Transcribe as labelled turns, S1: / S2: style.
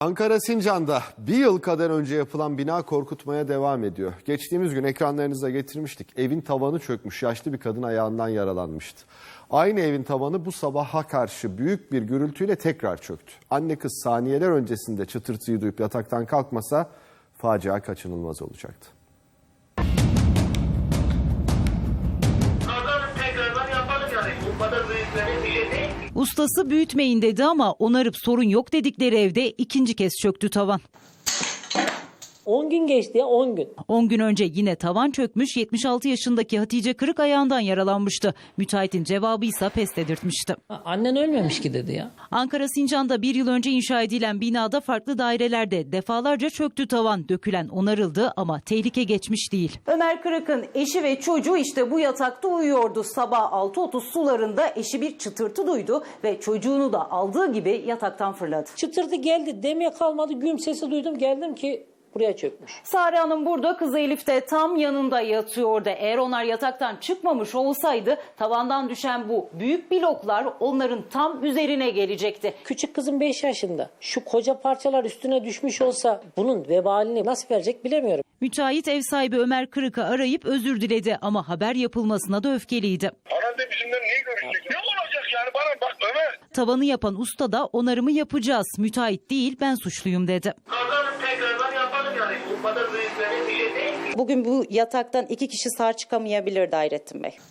S1: Ankara Sincan'da bir yıl kadar önce yapılan bina korkutmaya devam ediyor. Geçtiğimiz gün ekranlarınıza getirmiştik. Evin tavanı çökmüş, yaşlı bir kadın ayağından yaralanmıştı. Aynı evin tavanı bu sabaha karşı büyük bir gürültüyle tekrar çöktü. Anne kız saniyeler öncesinde çıtırtıyı duyup yataktan kalkmasa facia kaçınılmaz olacaktı.
S2: Ustası büyütmeyin dedi ama onarıp sorun yok dedikleri evde ikinci kez çöktü tavan.
S3: 10 gün geçti ya, 10 gün.
S2: 10 gün önce yine tavan çökmüş, 76 yaşındaki Hatice Kırık ayağından yaralanmıştı. Müteahhitin cevabı ise pes dedirtmişti.
S3: Annen ölmemiş ki dedi ya.
S2: Ankara Sincan'da bir yıl önce inşa edilen binada farklı dairelerde defalarca çöktü tavan. Dökülen onarıldı ama tehlike geçmiş değil.
S4: Ömer Kırık'ın eşi ve çocuğu işte bu yatakta uyuyordu. Sabah 6.30 sularında eşi bir çıtırtı duydu ve çocuğunu da aldığı gibi yataktan fırladı.
S3: Çıtırtı geldi, demeye kalmadı, güm sesi duydum, geldim ki buraya çökmüş.
S4: Sare Hanım burada, kızı Elif de tam yanında yatıyordu. Eğer onlar yataktan çıkmamış olsaydı tavandan düşen bu büyük bloklar onların tam üzerine gelecekti.
S3: Küçük kızım 5 yaşında. Şu koca parçalar üstüne düşmüş olsa bunun vebalini nasıl verecek bilemiyorum.
S2: Müteahhit ev sahibi Ömer Kırık'ı arayıp özür diledi ama haber yapılmasına da öfkeliydi.
S5: Herhalde bizimle niye görüşecek? Ne olacak yani bana bak Ömer.
S2: Tavanı yapan usta da onarımı yapacağız. Müteahhit değil, ben suçluyum dedi.
S5: Kazanın tekrardan yapalım yani. Bu kadar büyük bir şey değil.
S4: Bugün bu yataktan 2 kişi sağ çıkamayabilir Hayrettin Bey.